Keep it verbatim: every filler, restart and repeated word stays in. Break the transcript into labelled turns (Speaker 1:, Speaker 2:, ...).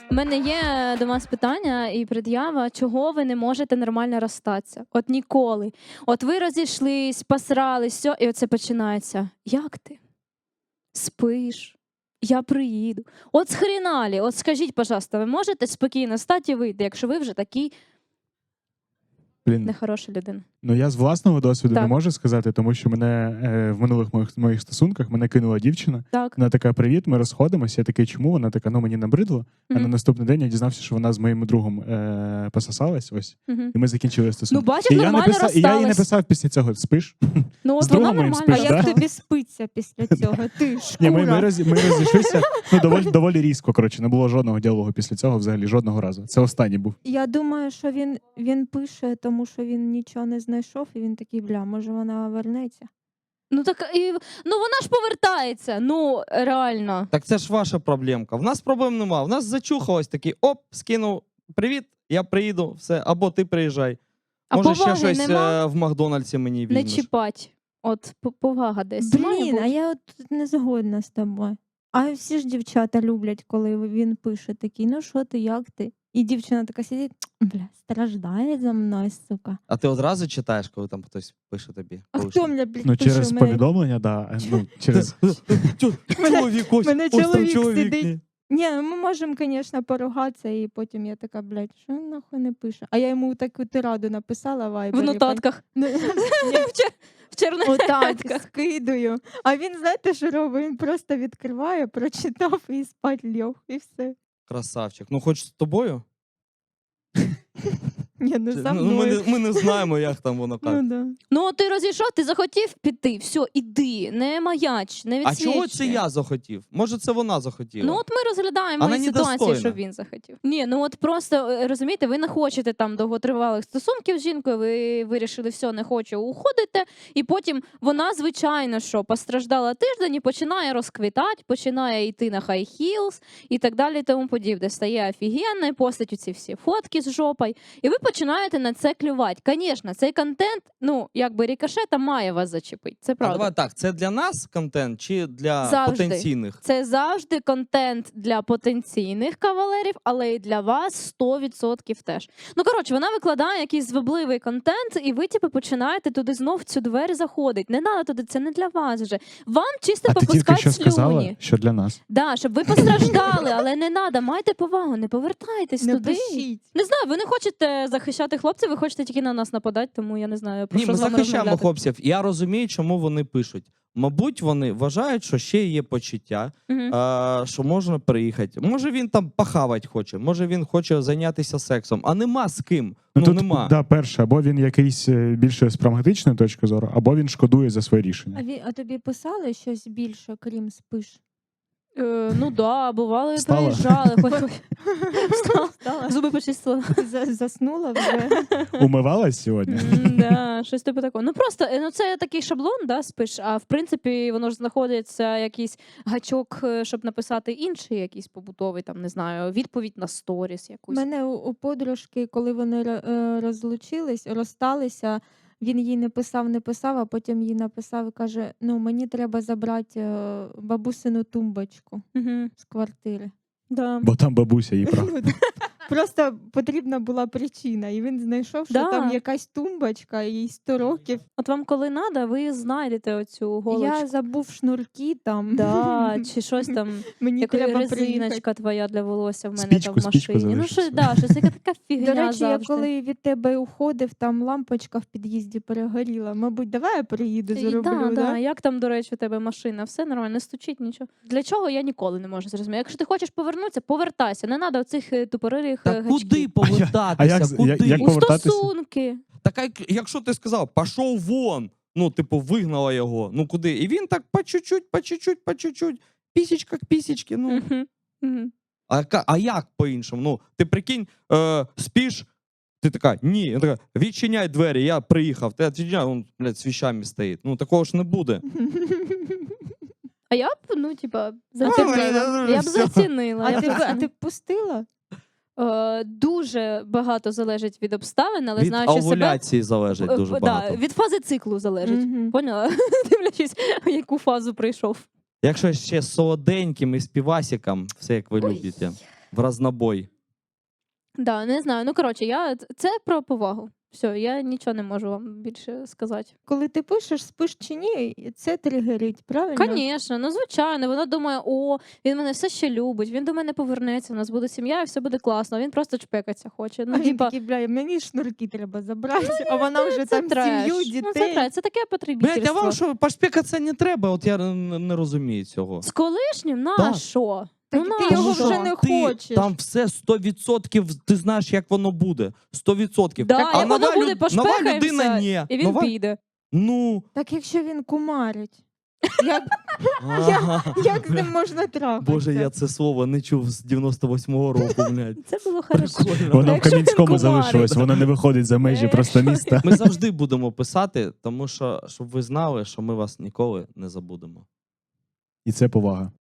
Speaker 1: У мене є до вас питання і пред'ява, чого ви не можете нормально розстатися? От ніколи. От ви розійшлись, посрались, все, і оце починається. Як ти? Спиш? Я приїду. От схріналі, от скажіть, пожалуйста, ви можете спокійно стати і вийти, якщо ви вже такий
Speaker 2: Блін,
Speaker 1: нехороша людина?
Speaker 2: ну я з власного досвіду
Speaker 1: Так.
Speaker 2: не можу сказати, тому що мене е, в минулих моїх, моїх стосунках мене кинула дівчина.
Speaker 1: Так.
Speaker 2: Вона така: привіт, ми розходимося. Я такий, чому? Вона така, ну мені набридло. А на
Speaker 1: Мгм.
Speaker 2: наступний день я дізнався, що вона з моїм другом е, пососалась. Ось,
Speaker 1: Мгм.
Speaker 2: і ми закінчили стосунки.
Speaker 1: Ну, бачиш,
Speaker 2: і, я
Speaker 1: нормально
Speaker 2: написав, і я їй
Speaker 1: розстались.
Speaker 2: написав після цього: спиш?
Speaker 1: Ну,
Speaker 2: З
Speaker 1: от вона
Speaker 2: другом моїм
Speaker 1: нормально
Speaker 2: спиш,
Speaker 3: А
Speaker 2: да?
Speaker 3: як
Speaker 1: розсталась.
Speaker 3: тобі спиться після цього? Ти
Speaker 2: Ні, ми, ми,
Speaker 3: шкура.
Speaker 2: роз, ми розійшлися ну, доволі, доволі різко. Коротше, не було жодного діалогу після цього, взагалі жодного разу. Це останній був.
Speaker 3: Я думаю, що він, він пише, тому що він нічого не знайшов, і він такий, бля, може вона вернеться.
Speaker 1: Ну так і ну вона ж повертається. Ну реально.
Speaker 4: Так це ж ваша проблемка. В нас проблем нема. В нас зачухалось такий, оп, скинув, привіт, я приїду, все, або ти приїжджай.
Speaker 1: А
Speaker 4: Може ще
Speaker 1: поваги
Speaker 4: щось
Speaker 1: нема?
Speaker 4: е, в Макдональдсі мені
Speaker 1: Не
Speaker 4: візьмеш.
Speaker 1: чіпать. От по- повага десь. має
Speaker 3: Блін,
Speaker 1: бути.
Speaker 3: а я от не згодна з тобою. А всі ж дівчата люблять, коли він пише такий, ну що ти, як ти? І дівчина така сидить, бля, страждає за мною, сука.
Speaker 4: А ти одразу читаєш, коли там хтось пише тобі?
Speaker 3: А
Speaker 4: Коли
Speaker 3: хто
Speaker 4: що?
Speaker 3: мене, блядь,
Speaker 2: Ну,
Speaker 3: пише?
Speaker 2: через
Speaker 3: У мене-
Speaker 2: повідомлення, да. Ну, через...
Speaker 4: Чоловік, ось,
Speaker 3: мене
Speaker 4: ось там
Speaker 3: чоловік
Speaker 4: чоловік.
Speaker 3: сидить.
Speaker 4: ні.
Speaker 3: Ні, ну, ми можемо, звісно, поругатися, і потім я така, блядь, що він нахуй не пише? А я йому таку тираду написала в
Speaker 1: В
Speaker 3: вайбері.
Speaker 1: нотатках.
Speaker 3: Ну,
Speaker 1: В чер- В черних
Speaker 3: Отак,
Speaker 1: нотках.
Speaker 3: скидую. А він, знаєте, що робить? Він просто відкриває, прочитав і спать льох, і все.
Speaker 4: Красавчик. Ну, хоч з тобою?
Speaker 3: Ні, ну за
Speaker 4: Ну, ми,
Speaker 3: мною.
Speaker 4: не, ми не знаємо, як там воно
Speaker 3: Ну,
Speaker 4: як.
Speaker 3: да.
Speaker 1: Ну, ти розійшов, ти захотів піти, все, іди, не маяч, не
Speaker 4: А
Speaker 1: відсвічуй.
Speaker 4: чого це я захотів? Може, це вона захотіла?
Speaker 1: Ну, от ми розглядаємо
Speaker 4: Вона
Speaker 1: і ситуацію,
Speaker 4: недостойна.
Speaker 1: що він захотів. Ні, ну от просто е, розумієте, ви не хочете там довготривалих стосунків з жінкою, ви вирішили, все, не хочу, уходите, і потім вона, звичайно, що постраждала тиждень і починає розквітати, починає йти на хай хілс і так далі, і тому подібне. Стає офігенною, постать ці всі фотки з жопою, і ви починаєте на це клювати. Звісно, цей контент, ну, якби рикошетом має вас зачепити, це
Speaker 4: А
Speaker 1: правда.
Speaker 4: давай так, це для нас контент чи для
Speaker 1: Завжди.
Speaker 4: потенційних?
Speaker 1: Це завжди контент для потенційних кавалерів, але і для вас сто відсотків теж. Ну, коротше, вона викладає якийсь звабливий контент, і ви, типу, починаєте туди знов в цю двері заходити. Не треба туди, це не для вас вже. Вам чисто
Speaker 2: А ти тільки
Speaker 1: попускати
Speaker 2: що сказала,
Speaker 1: слюні.
Speaker 2: що для нас.
Speaker 1: Да, щоб ви постраждали, але не треба, майте повагу, не повертайтесь
Speaker 3: Не
Speaker 1: туди.
Speaker 3: пишіть.
Speaker 1: Не знаю, ви не хочете захищати хлопців, ви хочете тільки на нас нападати, тому я не знаю, про
Speaker 4: Ні,
Speaker 1: що
Speaker 4: ми
Speaker 1: з вами
Speaker 4: захищаємо
Speaker 1: розмовляти.
Speaker 4: хлопців. Я розумію, чому вони пишуть. Мабуть, вони вважають, що ще є почуття,
Speaker 1: Мгм.
Speaker 4: а, що можна приїхати. Може він там похавати хоче, може він хоче зайнятися сексом, а нема з ким. Ну,
Speaker 2: Ну, тут,
Speaker 4: нема.
Speaker 2: да, перше, або він якийсь е, більше з прагматичної точки зору, або він шкодує за своє рішення.
Speaker 3: А, ві- а тобі писали щось більше, крім спиш?
Speaker 1: Е, ну да, бувало і
Speaker 2: Встала?
Speaker 1: приїжджали. Хоч... Встала.
Speaker 3: Встала?
Speaker 1: Зуби почистила.
Speaker 3: За- Заснула вже?
Speaker 2: Умивалась сьогодні?
Speaker 1: М, Да, щось типу такого. Ну просто е, ну це такий шаблон, да, спиш, а в принципі воно ж знаходиться якийсь гачок, е, щоб написати інший якийсь побутовий, там не знаю, відповідь на сторіс
Speaker 3: У
Speaker 1: якусь.
Speaker 3: мене у, у подружки, коли вони ро- е, розлучились, розсталися, він їй не писав, не писав, а потім їй написав і каже: ну, мені треба забрати е, бабусину тумбочку
Speaker 1: Угу.
Speaker 3: з квартири.
Speaker 1: Да.
Speaker 2: Бо там бабуся її прав.
Speaker 3: Просто потрібна була причина, і він знайшов, що
Speaker 1: Да.
Speaker 3: там якась тумбочка, їй сто років.
Speaker 1: От вам коли треба, ви знайдете оцю голочку.
Speaker 3: Я забув шнурки там.
Speaker 1: Да, чи щось там,
Speaker 3: Мені
Speaker 1: яка
Speaker 3: треба приїхати.
Speaker 1: резиночка твоя для волосся в мене
Speaker 2: Спічку,
Speaker 1: там в
Speaker 2: спічку
Speaker 1: машині. Ну
Speaker 2: залишив
Speaker 1: що, да, щось яка така фігня
Speaker 3: До речі, я
Speaker 1: завжди.
Speaker 3: коли від тебе уходив, там лампочка в під'їзді перегоріла. Мабуть, давай я приїду,
Speaker 1: І
Speaker 3: зроблю,
Speaker 1: да,
Speaker 3: да?
Speaker 1: да. Як там, до речі, у тебе машина? Все нормально, не стучить нічого. Для чого я ніколи не можу зрозуміти. Якщо ти хочеш повернутися, повертайся. Не треба оцих е, тупорилих е,
Speaker 4: Та
Speaker 1: гачків.
Speaker 4: куди повертатися?
Speaker 2: а як з-
Speaker 4: куди?
Speaker 2: як- як
Speaker 1: У
Speaker 2: повертатися?
Speaker 1: стосунки.
Speaker 4: Так а якщо ти сказав, пішов вон, ну, типу, вигнала його, ну куди? І він так по чуть-чуть, по чуть-чуть, по чуть-чуть, пісічка к пісічки, ну.
Speaker 1: Мгм. Мгм.
Speaker 4: А, яка- а як по-іншому? Ну, ти прикинь, е, спиш, ти така, ні, він така, відчиняй двері, я приїхав, ти відчиняй, він, блядь, з віщами стоїть. Ну, такого ж не буде.
Speaker 1: А я б, ну, типа,
Speaker 4: блін,
Speaker 1: зацінила. Я б
Speaker 4: всьо.
Speaker 1: зацінила.
Speaker 3: А
Speaker 1: я б
Speaker 3: ти, б- а
Speaker 1: зацінила.
Speaker 3: ти б пустила?
Speaker 1: Е, Дуже багато залежить від обставин, але
Speaker 4: Від
Speaker 1: знаючи себе...
Speaker 4: овуляції залежить
Speaker 1: е,
Speaker 4: дуже
Speaker 1: да,
Speaker 4: багато.
Speaker 1: від фази циклу залежить.
Speaker 3: Мгм.
Speaker 1: Поняла? Дивлячись, в яку фазу прийшов.
Speaker 4: Якщо ще з солоденьким і з півасиком, все як ви
Speaker 1: Ой.
Speaker 4: любите. В разнобой.
Speaker 1: Да, не знаю. Ну, коротше, я... це про повагу. Все, я нічого не можу вам більше сказати.
Speaker 3: Коли ти пишеш, спиш чи ні, це тригерить, правильно?
Speaker 1: Звісно, ну звичайно, вона думає, о, він мене все ще любить, він до мене повернеться, у нас буде сім'я і все буде класно. А він просто чпекатися хоче. Ну,
Speaker 3: А він
Speaker 1: типа,
Speaker 3: такий, бля, мені шнурки треба забрати, а вона вже
Speaker 1: це
Speaker 3: там
Speaker 1: треш.
Speaker 3: сім'ю,
Speaker 1: Ну, це
Speaker 3: дітей.
Speaker 1: треш. Це таке
Speaker 4: Блядь,
Speaker 1: потребительство.
Speaker 4: а вам що, пошпікатися не треба? От я н- не розумію цього.
Speaker 1: З колишнім? На
Speaker 4: Так.
Speaker 1: що?
Speaker 3: Так
Speaker 1: ну,
Speaker 3: ти
Speaker 1: на
Speaker 3: його
Speaker 1: що?
Speaker 3: вже не
Speaker 4: Ти-
Speaker 3: хочеш.
Speaker 4: Там все сто відсотків, ти знаєш, як воно буде. сто відсотків.
Speaker 1: Да,
Speaker 4: а
Speaker 1: як воно
Speaker 4: нова,
Speaker 1: буде,
Speaker 4: люд- нова
Speaker 1: пошпекаємося,
Speaker 4: людина ні.
Speaker 1: І він
Speaker 4: Нова...
Speaker 1: піде.
Speaker 4: Ну,
Speaker 3: Так якщо він кумарить, як,
Speaker 4: ага.
Speaker 3: як з ним можна трахатися?
Speaker 4: Боже, я це слово не чув з дев'яносто восьмого року, блядь.
Speaker 1: Це було хорошо.
Speaker 4: Прикольно.
Speaker 2: Воно в
Speaker 1: якщо він
Speaker 2: Кам'янському
Speaker 1: кумарить.
Speaker 2: залишилось, воно не виходить за межі
Speaker 1: Е,
Speaker 2: просто
Speaker 1: що
Speaker 2: міста.
Speaker 4: Ми завжди будемо писати, тому що, щоб ви знали, що ми вас ніколи не забудемо.
Speaker 2: І це повага.